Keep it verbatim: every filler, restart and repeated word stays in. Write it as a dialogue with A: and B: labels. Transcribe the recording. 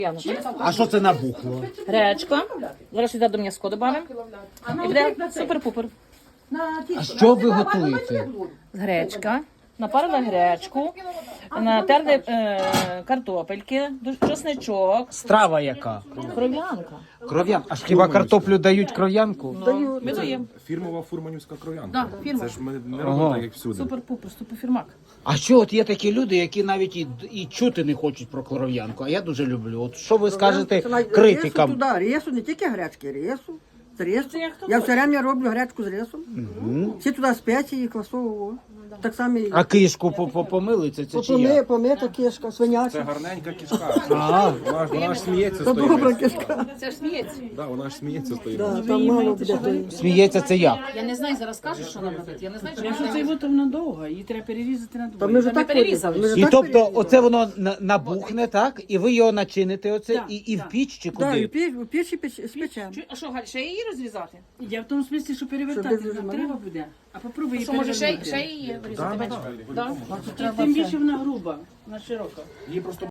A: А що це набухло?
B: Гречка. Зараз сюди до м'яско додамо. І буде супер-пупер.
A: А що ви готуєте?
B: Гречка. Напарила гречку, натерли е, картопельки, чесничок,
A: Страва яка?
B: кров'янка.
A: Кров'ян. А хіба картоплю дають кров'янку?
B: Ну, ми даємо.
C: Фірмова фурманівська кров'янка.
B: Да, фірма.
C: Це ж ми не
A: Ага.
C: робимо так, як всюди.
B: Супер-пупер, суперфірмак.
A: А що от є такі люди, які навіть і, і чути не хочуть про кров'янку, а я дуже люблю. От що ви скажете
D: Рису
A: критикам?
D: туди, рису, не тільки гречки, рису. З рису.
B: Це як хто
D: Я
B: хоче.
D: все время роблю гречку з рисом. Всі туди спеції, квасового. Так само і
A: А кишку по- по- помили, це, це чи
D: помита,
A: як?
D: помита кишка,
C: Це
D: свиняча.
C: гарненька кішка.
A: А.
C: Вона, ж- вона ж сміється
D: Це
C: з тої
D: добра
C: миски.
D: кишка.
B: Це ж сміється.
C: Да, вона ж сміється з тої
D: Да,
C: миски.
D: там мало буде.
A: Сміється це як?
B: Я не знаю, зараз кажуть, що нам робити. Я не знаю, що
E: Якщо
B: нам
E: це
B: робити.
E: його, то вона довга, її треба перерізати на
D: Та
E: двоє.
D: ми вже
B: Та ми
D: так
B: перерізали.
D: Ми вже
A: І
D: так
A: тобто
D: перерізали.
A: оце воно на- набухне, так? І ви його начините оце
E: Так,
A: і, і в
E: так.
A: піч чи
D: Да, і
A: куди?
D: в піч, в пічі печ- спечемо.
B: Чу- А що, Галь, ще її розрізати?
E: Я в тому смислі, що перевертати
D: Щоб
E: нам
D: без
E: треба буде. А попробуй її
B: Що, може, ще,
E: перевернути.
B: ще її вирізати?
C: Да, да,
B: менше?
C: да.
B: Да?
E: Тим більше вона груба, вона широка.
C: Її просто